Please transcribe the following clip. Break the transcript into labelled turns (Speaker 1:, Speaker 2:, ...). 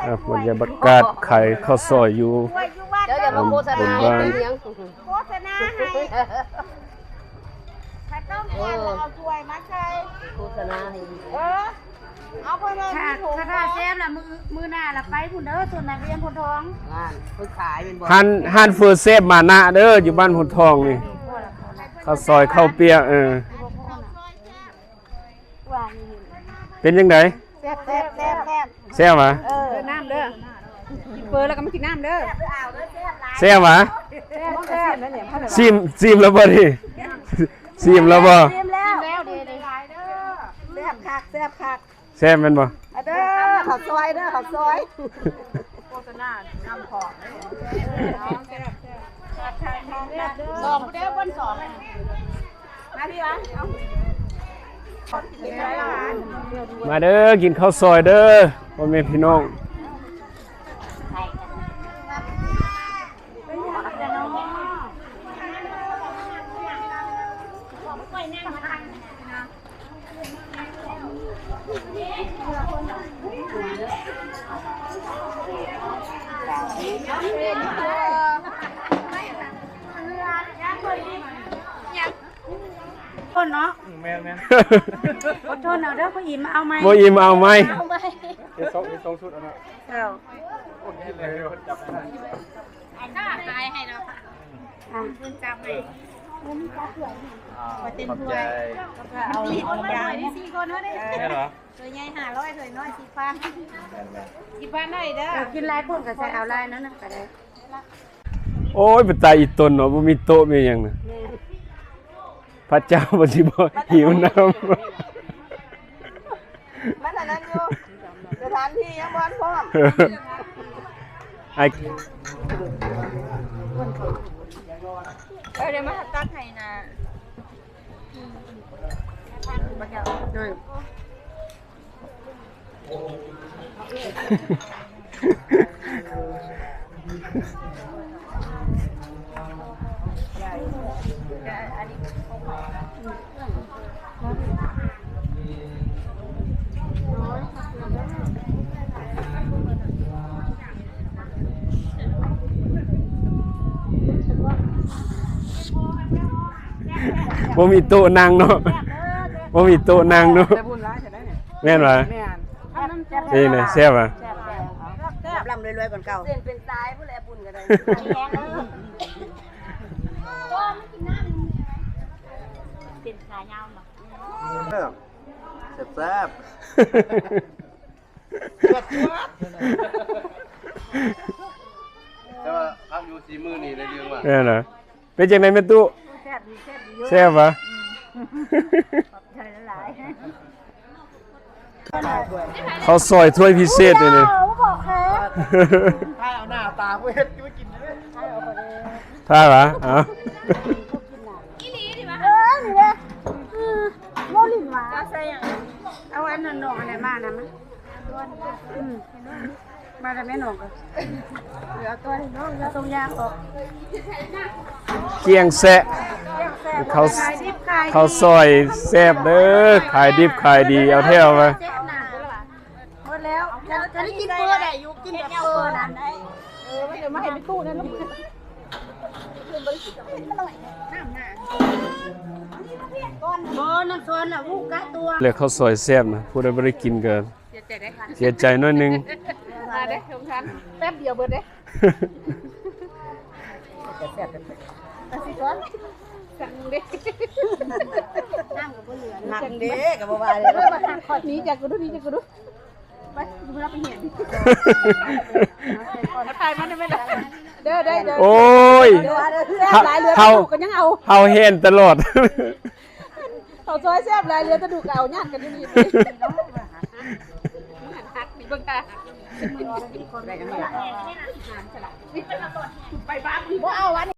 Speaker 1: บรรยากาศไข่ข้าวซอยอยู่
Speaker 2: เดี๋ยวอย่ามาโฆษณาให้เป็นเลี้ยง
Speaker 3: โฆษณาให้ถ้าต้องการเอาถ้วยมาใส่
Speaker 2: โฆษณาให้
Speaker 3: เอาไปเลย
Speaker 4: ถ้าแซ่บล่ะมือหน้าล่ะไปพุ่นเด้อส่วนนักเรียนพุ่นทอง
Speaker 2: งานเพิ่นขายเป็นบ่
Speaker 1: ฮันเฟอร์เซฟมานะเด้ออยู่บ้านหุ่นทองนี่ข้าวซอยข้าวเปียกเป็นยังไง
Speaker 3: แซ่บแซ่บแซ่บแซ่บ
Speaker 1: แซ่บหรอ
Speaker 4: น้ำเด้อกินเฟอแล้วก็มากินน้ำเด้อ
Speaker 1: แซ่บหรอ
Speaker 4: แซ่บนั่นเนี่ย
Speaker 1: ซิมแล้วบ่ดิซิมแล้วบ่
Speaker 3: ซิมแล้วดีๆแซ่บคักแซ่บคัก
Speaker 1: แซ่บมันบ่
Speaker 3: เด้อข้าวซอยเด้อข้าวซอย
Speaker 4: โฆษณานำของ
Speaker 3: สองเด้อบนสองมาพี่วะ
Speaker 1: มาเด้อกินข้าวซอยเด้อพ่อแม่พี่น้อง
Speaker 4: คนเนาะแม่อดทนเอาเด้อพ่ออิ่มเอาไหม
Speaker 1: บ่อิ่มเอาไหม
Speaker 4: สองชุดเอาเนาะโอเคเลยจับได้ตายให้เนาะจับให้มาเต้นถ้วยเอายางนี่4คนเนาะได้เหรอตัวใหญ่500ตัวน้อย10,000ได้เด้อกินหลายคนก็ใส่เอาหลายนั้นน่ะก็ได้
Speaker 1: โอ้ยเป็นตาอีตนเนาะบ่มีโต๊ะมีหยังน่ะพระเจ้าบ่สิบ่หิวน้ำ
Speaker 3: มันอันนั้นอยู่สถานที่ยังบ่พร้อม
Speaker 1: ไอ้
Speaker 4: เดี๋ยวมาตักให้นะบักแก้วด้วย
Speaker 1: บ่มีโต๊ะนั่งเนาะบ่มีโต๊ะนั่งเนาะแม่นบ่นี่น่ะแซ่บอ่ะ
Speaker 3: ลำรวยๆก่อนเก่าเส้นเป็นสายผู้แลบุญก็ได้แห้งก็ไม่กินน้ำเป็นสายยาวเนาะ
Speaker 5: แซ่บแต่ว่าพักอยู่สีมือนี่ในเรื่องว่า
Speaker 1: แม่นเหรอเป็นจังได๋แม่ตู้แซ่บบ่เขาซอยถ้วยพิเศษเลยนี่
Speaker 5: ถ้าเอาหน้าตาเว้ยจะไม่กินเลย
Speaker 1: ถ้าเหรออ๋อ
Speaker 4: โมลินหวาเอาอันนั้นหนองอะไรมานะมั้ยมาแต่แม่หนองก็เหลือตัวน้องตรงยางออก
Speaker 1: เกียงแซะเขาซอยแซ่บเด้อขายดิบขายดีเอาแถวมา
Speaker 4: หมดแล้วจะได้กินเปลือกได้อยู่กินแบบเปลือกนั้นได้ไม่เดี๋ยวมาให้ไปตู้นั่นลูกน้ำซอนน่ะวูกะตัว
Speaker 1: เรียกข้าวซอยแซ่บนะผู้ใดบ่ได้กินก็เสียใจน้อยนึง
Speaker 4: มาเด้สงสารแป๊บเดียวเบิดเด้แซ่บกันสิก่อนสั่งเด้น้ำก็บ่เหลือ
Speaker 3: หนักเด้ก็บ่ว่าเลย
Speaker 4: มาทางขอดนี้จากกูดูนี่จากกูดูไปดูรับไปเห็นถ่ายมาได้ไหมล่ะเด้อ
Speaker 1: โอ้ยเฮาเห็นตลอด
Speaker 4: เขาซอยแซ่บหลายเรือจะดูเก่าญาติกันอยู่นี่หักนี่เบิ่งตาไปบ้านบ่เอาวัน